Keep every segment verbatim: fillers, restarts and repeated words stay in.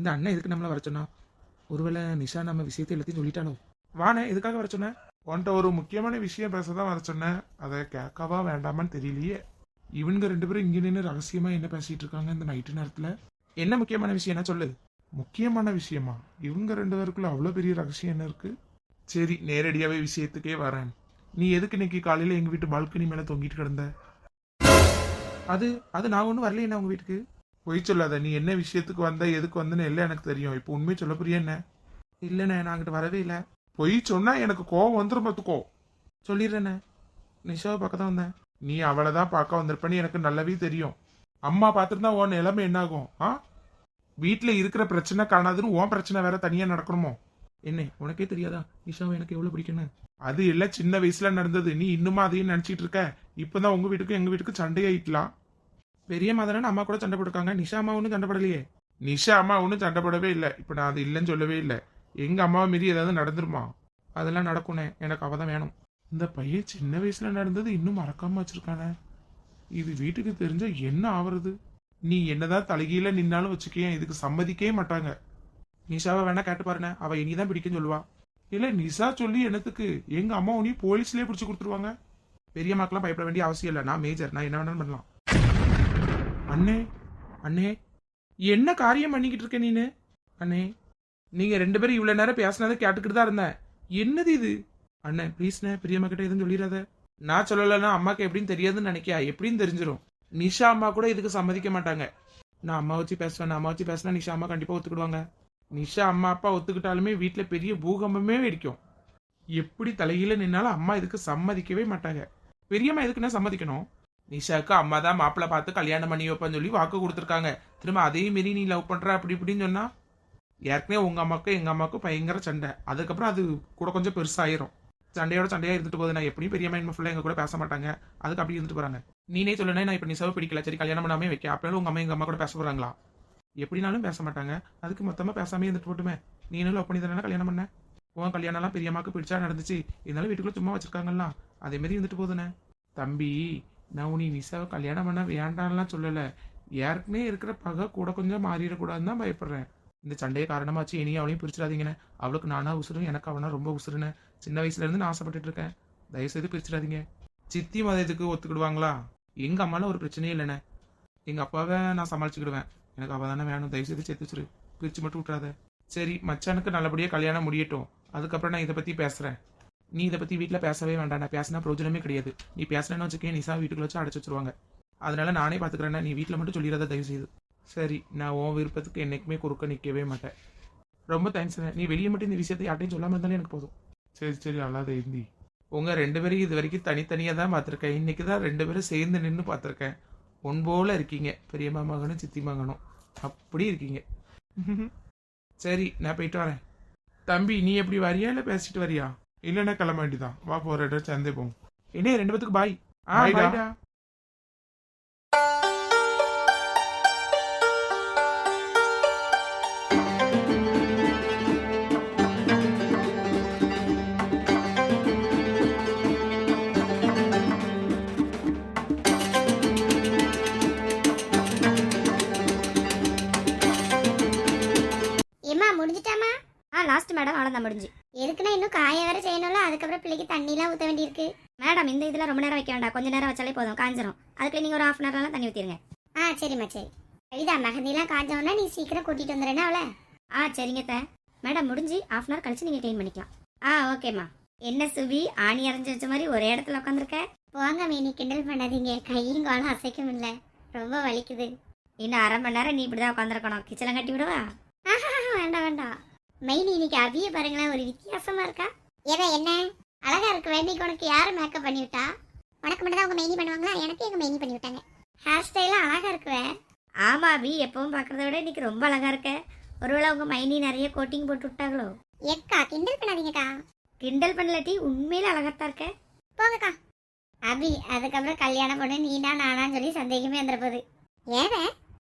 இந்த அண்ணன் எதுக்கு நம்மள வர சொன்னா? ஒருவேளை நிஷா நம்ம விஷயத்தை எல்லாத்தையும் சொல்லிட்டாலோ? வானே எதுக்காக வர சொன்ன? உன்கிட்ட ஒரு முக்கியமான விஷயம் பேசதான் வர சொன்னேன். அதை கேட்கவா வேண்டாமான்னு தெரியலையே. இவனுங்க ரெண்டு பேரும் இங்க நின்று ரகசியமா என்ன பேசிட்டு இருக்காங்க இந்த நைட்டு நேரத்துல? என்ன முக்கியமான விஷயம் என்ன சொல்லு? முக்கியமான விஷயமா? இவங்க ரெண்டு பேருக்குள்ள அவ்வளவு பெரிய ரகசியம் என்ன இருக்கு? சரி, நேரடியாவே விஷயத்துக்கே வரேன். நீ எதுக்கு இன்னைக்கு காலையில எங்க வீட்டு பால்கனி மேல தொங்கிட்டு கிடந்த? அது அது நான் ஒன்றும் வரலையே என்ன உங்க வீட்டுக்கு. பொய் சொல்லாத. நீ என்ன விஷயத்துக்கு வந்த, எதுக்கு வந்தன்னு எல்லாம் எனக்கு தெரியும். இப்போ உண்மையை சொல்ல புரிய என்ன? இல்லைண்ணே, நான் அங்கிட்ட வரவே இல்லை. பொய் சொன்னா எனக்கு கோவம் வந்துடும் பார்த்துக்கோ. சொல்லிடுறேண்ணே, நிஷாவை பார்க்க தான் வந்தேன். நீ அவளை தான் பார்க்க வந்திருப்பேன்னு எனக்கு நல்லாவே தெரியும். அம்மா பார்த்துருந்தா உன் நிலைமை என்ன ஆகும்? ஆ, வீட்டில் இருக்கிற பிரச்சனை காணாதுன்னு உன் பிரச்சனை வேற தனியா நடக்கணுமோ? என்ன, உனக்கே தெரியாதா நிஷாவை எனக்கு எவ்வளவு பிடிக்குன்னு? அது எல்லாம் சின்ன வயசுல நடந்தது. நீ இன்னுமா அதையும் நினைச்சிட்டு இருக்க? இப்பதான் உங்க வீட்டுக்கும் எங்க வீட்டுக்கும் சண்டையாயிட்டலாம். பெரிய மாதானே அம்மா கூட சண்டை போட்டுருக்காங்க, நிஷா அம்மா ஒன்றும் சண்டை போடலையே. நிஷா அம்மா ஒன்றும் சண்டை போடவே இல்லை. இப்ப நான் அது இல்லைன்னு சொல்லவே இல்லை. எங்க அம்மாவை மீறி ஏதாவது நடந்துருமா? அதெல்லாம் நடக்கும்னே, எனக்கு அவ தான் வேணும். இந்த பையன் சின்ன வயசுல நடந்தது இன்னும் மறக்காம வச்சிருக்கானே. இது வீட்டுக்கு தெரிஞ்சா என்ன ஆவறது? நீ என்னதான் தலைகீழ நின்னாலும் வச்சுக்கேன், இதுக்கு சம்மதிக்கவே மாட்டாங்க. நிஷாவை வேணா கேட்டு பாருண்ணே, அவ இனிதான் பிடிக்குன்னு சொல்லுவா. இல்ல நிஷா சொல்லி என்னத்துக்கு? எங்க அம்மா உனி போலீஸ்லயே பிடிச்சு கொடுத்துருவாங்க. பெரியம்மாக்கெல்லாம் பயப்பட வேண்டிய அவசியம் இல்லை, நான் மேஜர், நான் என்ன வேணாலும் பண்ணலாம். அண்ணே, அண்ணே, என்ன காரியம் பண்ணிக்கிட்டு இருக்க நீனு? அண்ணே, நீங்க ரெண்டு பேரும் இவ்வளவு நேரம் பேசினதை கேட்டுக்கிட்டு தான் இருந்தேன். என்னது இது? அண்ணே ப்ளீஸ்ண்ணே, பிரியம்மா கிட்ட எதுவும் சொல்லிடாத. நான் சொல்லலைன்னா அம்மாக்கு எப்படின்னு தெரியாதுன்னு நினைக்கியா? எப்படின்னு தெரிஞ்சிடும். நிஷா அம்மா கூட இதுக்கு சம்மதிக்க மாட்டாங்க. நான் அம்மா வச்சு பேசுவேன், அம்மா வச்சு பேசினா நிஷா அம்மா கண்டிப்பா ஒத்துக்கிடுவாங்க. நிஷா அம்மா அப்பா ஒத்துக்கிட்டாலுமே வீட்டுல பெரிய பூகம்பமே வெடிக்கும். எப்படி தலையில நின்னாலும் அம்மா இதுக்கு சம்மதிக்கவே மாட்டாங்க. பெரியம்மா எதுக்குன்னா சம்மதிக்கணும்? நிஷாவுக்கு அம்மா தான் மாப்பிள்ளை பார்த்து கல்யாணம் பண்ணி வைப்பான்னு சொல்லி வாக்கு கொடுத்துருக்காங்க. திரும்ப அதே மாரி நீ லவ் பண்ற அப்படி இப்படின்னு சொன்னா, ஏற்கனவே உங்க அம்மாவுக்கும் எங்க அம்மாவுக்கும் பயங்கர சண்டை. அதுக்கப்புறம் அது கூட கொஞ்சம் பெருசாயிரும். சண்டையோட சண்டையா இருந்துட்டு போகுது. நான் எப்படியும் பெரியம்மா இனிமே ஃபுல்லா எங்க கூட பேச மாட்டாங்க, அதுக்கு அப்படி இருந்துட்டு போறாங்க. நீனே சொல்லணும், நான் இப்ப நிஷாவை பிடிக்கல, சரி கல்யாணம் பண்ணாமே வைக்க, அப்படினாலும் உங்க அம்மா எங்க அம்மா கூட பேச போறாங்களா? எப்படினாலும் பேச மாட்டாங்க. அதுக்கு மொத்தமா பேசாமே இருந்துட்டு போட்டுமே. நீனும் லவ் பண்ணி தானே கல்யாணம் பண்ண. உன் கல்யாணம் எல்லாம் பெரியம்மாக்கு பிடிச்சா நடந்துச்சு. இருந்தாலும் வீட்டுக்குள்ள சும்மா வச்சிருக்காங்களா, அதே மாதிரி இருந்துட்டு போகுதுண்ணே. தம்பி, நான் உனி நிஷாவை கல்யாணம் பண்ண வேண்டாம்லாம் சொல்லல. ஏற்கனவே இருக்கிற பகை கூட கொஞ்சம் மாறிடக்கூடாதுன்னு தான் பயப்படுறேன். இந்த சண்டையை காரணமாச்சு இனியும் அவளையும் பிரிச்சிடாதீங்கண்ணே. அவளுக்கு நானா உசுரும், எனக்கு அவனா ரொம்ப உசுருன்னு சின்ன வயசுல இருந்து நான் ஆசைப்பட்டுட்டு இருக்கேன். தயவுசெய்து பிரிச்சிடாதீங்க. சித்தி மதத்துக்கு ஒத்துக்கிடுவாங்களா? எங்க அம்மால ஒரு பிரச்சனையும் இல்லைண்ணே. எங்க அப்பாவை நான் சமாளிச்சுக்கிடுவேன். எனக்கு அவ தானே வேணும். தயவுசெய்து சேர்த்து வச்சிரு, பிரிச்சு மட்டும் விட்டுறாத. சரி, மச்சானுக்கு நல்லபடியா கல்யாணம் முடியட்டும், அதுக்கப்புறம் நான் இதை பத்தி பேசுறேன். நீ இதை பத்தி வீட்டுல பேசவே வேண்டாம். நான் பேசினா பிரயோஜனமே கிடையாது. நீ பேசுறேன்னு வச்சுக்கேன், நிஷா வீட்டுக்குள்ள வச்சு அடைச்சு வச்சிருவாங்க. அதனால நானே பாத்துக்கிறேன்னா, நீ வீட்டுல மட்டும் சொல்லிடாத தயவு செய்து. சரி, நான் உன் விருப்பத்துக்கு என்னைக்குமே குறுக்க நிற்கவே மாட்டேன். ரொம்ப தேங்க்ஸ். நீ வெளியே மட்டும் இந்த விஷயத்தை யார்ட்டையும் சொல்லாம இருந்தாலும் எனக்கு போதும். சரி சரி, அல்லாத இந்தி. உங்க ரெண்டு பேரும் இது வரைக்கும் தனித்தனியா தான் பார்த்துருக்கேன். இன்னைக்கு தான் ரெண்டு பேரும் சேர்ந்து நின்று பார்த்துருக்கேன். ஒன் போல இருக்கீங்க, பெரியம்மா மகனும் சித்தி மகனும் அப்படி இருக்கீங்க. சரி, நான் போயிட்டு வரேன். தம்பி, நீ எப்படி வரியா இல்லை பேசிட்டு வரியா? இல்லைன்னா கிளம்ப வேண்டிதான். வா, போற இடம் சேர்ந்தே போவோம். என்ன ரெண்டு பேத்துக்கு பாய். ஆ, பாய்டா. லாஸ்ட் மேடம், அவ்வளோதான் முடிஞ்சு. எதுக்குன்னா இன்னும் காய வேற செய்யணும்ல, அதுக்கப்புறம் பிள்ளைக்கு தண்ணிலாம் ஊற்ற வேண்டியிருக்கு. மேடம், இந்த இதில் ரொம்ப நேரம் வைக்க வேண்டாம், கொஞ்சம் நேரம் வச்சாலே போதும், காஞ்சிரும். அதுக்கு நீங்கள் ஒரு ஹாஃப் அன் ஹவர்லாம் தண்ணி ஊற்றிடுங்க. ஆ சரிம்மா, சரி. இதா மெஹந்திலாம் காஞ்சோன்னா நீ சீக்கிரம் கூட்டிகிட்டு வந்துடுறேன்னா அவளை. ஆ சரிங்க த மேடம், முடிஞ்சு ஹாஃப் அன் ஹவர் கழிச்சு நீங்கள் க்ளீன் பண்ணிக்கலாம். ஆ ஓகேம்மா. என்ன சுபி, ஆணி அரைஞ்சி வச்ச மாதிரி ஒரே இடத்துல உட்காந்துருக்க? போங்க மீனி, கிண்டல் பண்ணாதீங்க. கையும் காலம் அசைக்கும் இல்லை, ரொம்ப வலிக்குது. இன்னும் அரை மணி நேரம் நீ இப்படி தான் உட்காந்துருக்கணும். கிச்சனை கட்டி விடுவா? வேண்டாம் வேண்டாம். மெயினி, இன்னைக்கு அவிய பாருங்களேன், ஒரு வித்தியாசமா இருக்கா. ஏதா என்ன அழகா இருக்கு. வேண்டிக்கு உனக்கு யாரு மேக்கப் பண்ணி விட்டா? உனக்கு மட்டும் தான் உங்க மெயினி பண்ணுவாங்களா? எனக்கு எங்க மெயினி பண்ணி விட்டாங்க. ஹேர் ஸ்டைலாம் அழகா இருக்குவே. ஆமா அபி, எப்பவும் பாக்குறத விட இன்னைக்கு ரொம்ப அழகா இருக்க. ஒருவேளை உங்க மைனி நிறைய கோட்டிங் போட்டு விட்டாங்களோ? எக்கா, கிண்டல் பண்ணாதீங்கக்கா. கிண்டல் பண்ணலாட்டி உண்மையில அழகாத்தான் இருக்க. போங்கக்கா. அபி, அதுக்கப்புறம் கல்யாணம் பண்ணு நீனா நானான்னு சொல்லி சந்தேகமே வந்துட போகுது. ஏத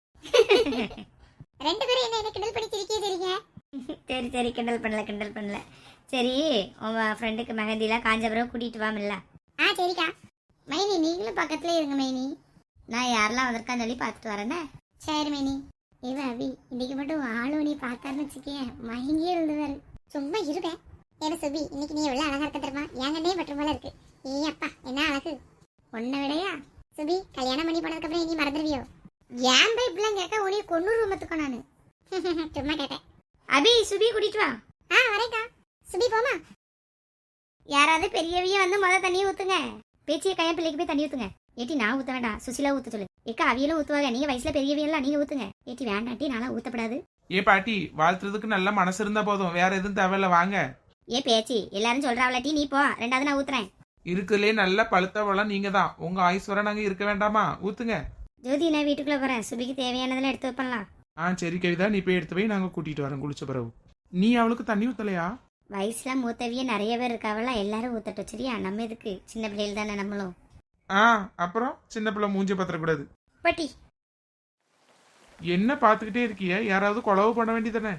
ரெண்டு பேரும் என்ன என்ன கிண்டல் பண்ணி சிரிக்கே தெரியுங்க. சரி சரி, கிண்டல் பண்ணல கிண்டல் பண்ணல. சரி, உங்க ஃப்ரெண்டுக்கு மெஹந்திலாம் காஞ்ச பிறகு கூட்டிட்டு வாமில்ல? ஆ சரிக்கா. மைனி, நீங்களும் பக்கத்துல இருங்க மைனி. நான் யாரெல்லாம் வந்திருக்கான்னு சொல்லி பார்த்துட்டு வரேன்னே. சரி மைனி. ஏவ அபி இன்னைக்கு மட்டும் ஆளு நீ பார்த்தாருன்னு வச்சுக்கேன் மயங்கியே எழுதுவாரு. சும்மா இருப்பேன். ஏவ சுபி இன்னைக்கு நீ எவ்வளவு அழகா இருக்க தெரியுமா? என்கண்ணே பட்டு போல இருக்கு. ஏ அப்பா என்ன அழகு. உன்னை விடையா சுபி கல்யாணம் பண்ணி போனதுக்கு அப்புறம் இனி மறந்துடுவியோ? ஏன் போய் இப்படிலாம் கேட்க உனிய கொன்னூறு ரூமத்துக்கோ நானு. சும்மா கேட்டேன். அபி சுபி கூட்டிட்டு வா. ஆ வரேக்கா. சுபி போமா. யாராவது பெரியவிய வந்து முத தண்ணியை ஊத்துங்க. பேச்சிய கையா பிள்ளைக்கு போய் தண்ணி ஊத்துங்க. ஏட்டி நான் ஊத்த வேண்டாம், சுசிலா ஊத்த சொல்லு. ஏக்கா அவியலும் ஊத்துவாங்க, நீங்க வயசுல பெரியவியெல்லாம் நீங்க ஊத்துங்க. ஏட்டி வேண்டாட்டி நானா ஊத்தப்படாது. ஏ பாட்டி, வாழ்த்துறதுக்கு நல்ல மனசு இருந்தா போதும், வேற எதுவும் தேவையில்ல, வாங்க. ஏ பேச்சி எல்லாரும் சொல்றாவளாட்டி நீ போ, ரெண்டாவது நான் ஊத்துறேன். இருக்குதுலே நல்ல பழுத்த வளம் நீங்க தான். உங்க ஆயுஸ் வர நாங்க இருக்க வேண்டாமா? ஊத்துங்க. ஜோதி நான் வீட்டுக்குள்ள போறேன். சுபிக்கு தேவையானதெல்லாம் எடுத்து வைப்பலாம். ஆ சரி கவிதா, நீ போய் எடுத்து போய் நாங்க கூட்டிட்டு வரோம் குளிச்ச பிறகு. நீ அவளுக்கு தண்ணி ஊத்தலையா? வயசுல மூத்தவிய நிறைய பேர் இருக்காவல, எல்லாரும் ஊத்தட்டும் சரியா? நம்ம எதுக்கு, சின்ன பிள்ளைகள் தானே நம்மளும். ஆ அப்புறம் சின்ன பிள்ளை மூஞ்சி பத்திரக்கூடாது. பட்டி என்ன பாத்துக்கிட்டே இருக்கிய? யாராவது கொலவு பண்ண வேண்டியதானே?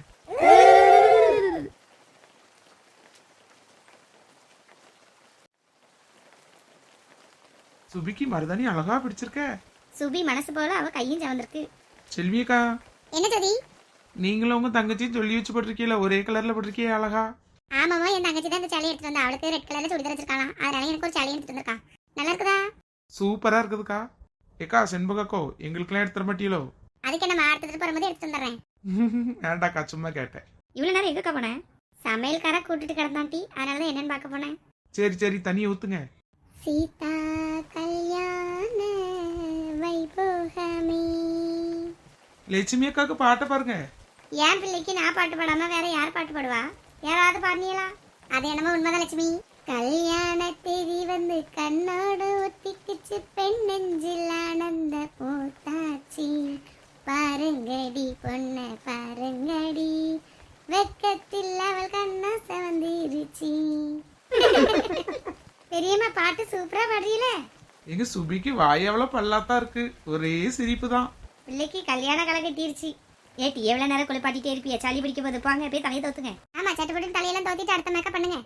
சுபிக்கு மருதாணி அழகா பிடிச்சிருக்க. சுபி மனசு போல அவ கையும் சவந்திருக்கு. செல்வியக்கா, என்ன ஜோதி? நீங்களும் உங்க தங்கச்சியும் சொல்லி வச்சு போட்டிருக்கீல, ஒரே கலர்ல போட்டிருக்கிய அழகா. ஆமாமா, என் தங்கச்சி தான் இந்த சேலை எடுத்துட்டு வந்தா. அவளுக்கு ரெட் கலர்ல சுடிதார் வச்சிருக்காளாம், அதனால எனக்கு ஒரு சேலை எடுத்துட்டு வந்திருக்கா. நல்லா இருக்குதா? சூப்பரா இருக்குதுக்கா. ஏக்கா செண்பகக்கோ, எங்களுக்கெல்லாம் எடுத்துட மாட்டீங்களோ? அதுக்கு என்ன எடுத்துட்டு போகும்போது எடுத்து வந்துடுறேன். வேண்டாக்கா, சும்மா கேட்டேன். இவ்வளவு நேரம் எதுக்கா போனேன்? சமையல்கார கூட்டிட்டு கிடந்தாண்டி, அதனாலதான் என்னன்னு பார்க்க போனேன். சரி சரி, தண்ணியை ஊத்துங்க. சீதா கல்யாண வைபோகமே. லட்சுமி அக்காக்கு பாட்டை பாருங்க. என் பிள்ளைக்கு நான் பாட்டு பாடாம வேற யார் பாட்டு பாடுவா? யாராவது பாடினீங்களா? அது என்னமோ உண்மைதான் லட்சுமி. கல்யாண தேதி வந்து கண்ணோடு ஒத்திக்குச்சு, பெண் நெஞ்சில் ஆனந்த பூத்தாச்சி. பாருங்கடி பொண்ண பாருங்கடி, வெக்கத்தில் அவள் கண்ணா செவந்திருச்சி. பெரியம்மா பாட்டு சூப்பரா பாடுறீல. எங்க சுபிக்கு வாய் எவ்வளவு பல்லாத்தான் இருக்கு, ஒரே சிரிப்பு தான். பிள்ளைக்கு கல்யாண கலை கட்டிருச்சு. ஏட்டி எவ்வளவு நேரம் குளிப்பாட்டிட்டே இருப்பிய? சளி பிடிக்க போது போங்க போய் தலையை தோத்துங்க. ஆமா, சட்டப்பட்டு தலையெல்லாம் தோத்திட்டு அடுத்த மேக்கப் பண்ணுங்க.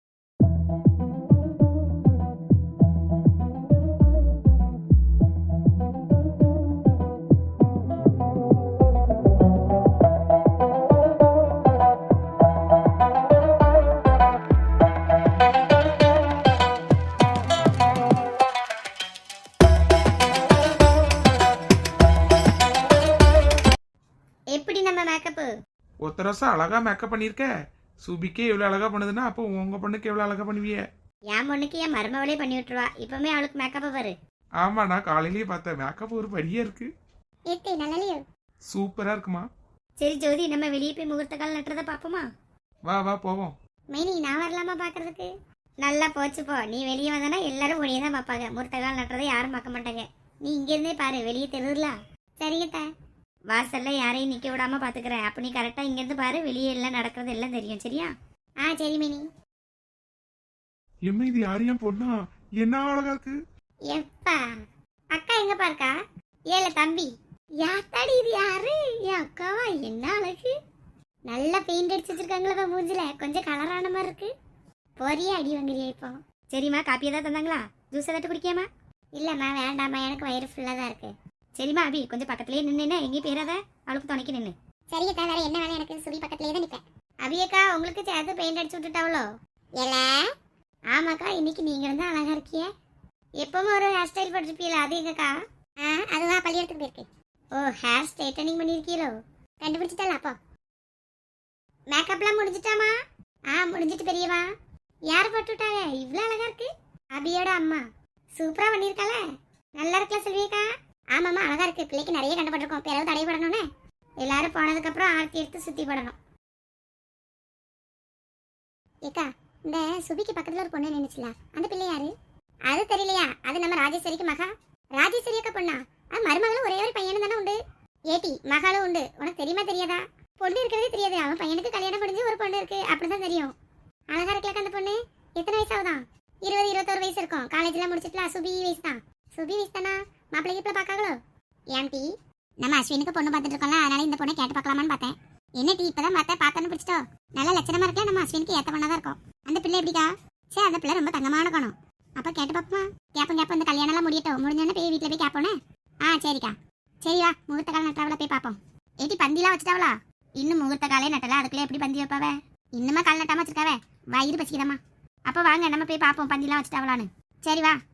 எப்படி நம்ம மேக்கப்பு? ஒத்தரசா அழகா மேக்கப் பண்ணிருக்க. சுபிக்கே எவ்வளவு அழகா பண்ணுதுன்னா அப்போ உங்க பொண்ணுக்கு எவ்வளவு அழகா பண்ணுவிய? என் பொண்ணுக்கு என் மருமவளே பண்ணி விட்டுருவா. இப்பவுமே அவளுக்கு மேக்கப்ப பாரு. ஆமா, நான் காலையிலேயே பார்த்தேன். மேக்கப் ஒரு படியா இருக்கு. ஏத்தி நல்லலையோ? சூப்பரா இருக்குமா. சரி ஜோதி, நம்ம வெளியே போய் முகூர்த்த கால் நட்டுறத பாப்போமா? வா வா போவோம். மைனி நான் வரலாமா பாக்குறதுக்கு? நல்லா போச்சு போ. நீ வெளியே வந்தனா எல்லாரும் உனியே தான் பாப்பாங்க. முகூர்த்த கால் நட்டுறதை யாரும் பார்க்க மாட்டாங்க. நீ இங்க இருந்தே பாரு, வெளியே தெருல. சரிங்க. வாசல்ல யாரையும் நிக்க விடாம பாத்துக்கிறேன். அப்ப நீ கரெக்டா இங்க இருந்து பாரு, வெளியே எல்லாம் நடக்கிறது எல்லாம் தெரியும் சரியா? ஆ சரி மினி. எம்மா, இது யாரையும் பொண்ணா? என்ன அழகா இருக்கு. எப்பா அக்கா எங்க பாருக்கா? ஏல தம்பி, யாத்தாடி இது யாரு? என் அக்காவா? என்ன அழகு. நல்லா பெயிண்ட் அடிச்சு வச்சிருக்காங்களா மூஞ்சில? கொஞ்சம் கலரான மாதிரி இருக்கு. பொரிய அடி வாங்குறியா இப்போ? சரிம்மா, காப்பி ஏதாவது தந்தாங்களா? ஜூஸ் ஏதாட்டு குடிக்காமா? இல்லம்மா வேண்டாம்மா, எனக்கு வயிறு ஃபுல்லா தான் இருக்கு. சரிம்மா அபி, கொஞ்சம் பக்கத்துலயே நின்று எங்கேயும் போயிடாத, அவளுக்கு துணைக்கு நின்று. சரிங்கக்கா, வேற என்ன வேலை? எனக்கு சுபி பக்கத்துலயே தான் நிற்பேன். அபியக்கா உங்களுக்கு சேர்த்து பெயிண்ட் அடிச்சு விட்டுட்டாவளோ? ஏல ஆமாக்கா, இன்னைக்கு நீங்க இருந்தா அழகா இருக்கிய. எப்பவும் ஒரு ஹேர் ஸ்டைல் போட்டிருப்பீல, அது எங்கக்கா? ஆ அதுதான் பள்ளியெடுத்துக்கு போயிருக்கு. ஓ, ஹேர் ஸ்ட்ரைட்டனிங் பண்ணியிருக்கீங்களோ? கண்டுபிடிச்சிட்டால அப்போ? மேக்கப்லாம் முடிஞ்சிட்டாமா? ஆ முடிஞ்சிட்டு பெரியவா. யார் போட்டு விட்டாங்க? இவ்வளோ அழகா இருக்கு. அபியோட அம்மா. சூப்பரா பண்ணியிருக்கால. நல்லா இருக்கல செல்வியக்கா? ஆமாம்மா அழகா இருக்கு. பிள்ளைக்கு நிறைய கண்டுபட்டிருக்கோம். பிறகு தடைப்படணும்னு எல்லாரும் போனதுக்கு அப்புறம் ஆர்த்தி எடுத்து சுத்தி படணும். ஏக்கா, இந்த சுபிக்கு பக்கத்துல ஒரு பொண்ணு நினைச்சுல, அந்த பிள்ளை யாரு? அது தெரியலையா? அது நம்ம ராஜேஸ்வரிக்கு மகா. ராஜேஸ்வரி அக்கா பொண்ணா? அது மருமகளும் ஒரே ஒரு பையனும் தானே உண்டு. ஏட்டி மகளும் உண்டு. உனக்கு தெரியுமா தெரியாதா? பொண்ணு இருக்கிறதே தெரியாது. அவன் பையனுக்கு கல்யாணம் முடிஞ்சு ஒரு பொண்ணு இருக்கு, அப்படிதான் தெரியும். அழகா இருக்கலக்கா அந்த பொண்ணு. எத்தனை வயசு ஆகுதான்? இருபது இருபத்தோரு வயசு இருக்கும். காலேஜ்லாம் முடிச்சிட்டுல. சுபி வயசு தான். சுபி வயசு தானா? மாப்பிள்ளை கீப்பிள்ள பாக்காங்களோ? ஏன் டீ, நம்ம அஸ்வினுக்கு பொண்ணு பார்த்துட்டு இருக்கோம்ல, அதனால இந்த பொண்ணை கேட்டு பார்க்கலாமான்னு பார்த்தேன். என்ன டீ இப்பதான் பார்த்தேன், பார்த்தோன்னு பிடிச்சிட்டோ? நல்ல லட்சணமா இருக்கலாம். நம்ம அஸ்வினுக்கு ஏத்த பொண்ணா தான் இருக்கும். அந்த பிள்ளை எப்படிக்கா? சரி, அந்த பிள்ளை ரொம்ப தங்கமான காணும். அப்ப கேட்டு பார்ப்போமா? கேப்போம் கேப்போம். இந்த கல்யாணம் எல்லாம் முடியட்டும். முடிஞ்சோடனே போய் வீட்டுல போய் கேப்போனே. ஆ சரிக்கா. சரி வா, முகூர்த்த கால நட்டாவில போய் பார்ப்போம். ஏட்டி பந்திலாம் வச்சுட்டாவளா? இன்னும் முகூர்த்த காலே நட்டல, அதுக்குள்ளே எப்படி பந்தி வைப்பாவ? இன்னுமா கால் நட்டாம வச்சிருக்காவ? வயிறு பசிக்குதம்மா. அப்போ வாங்க நம்ம போய் பார்ப்போம் பந்திலாம் வச்சுட்டாவளான்னு. சரி வா.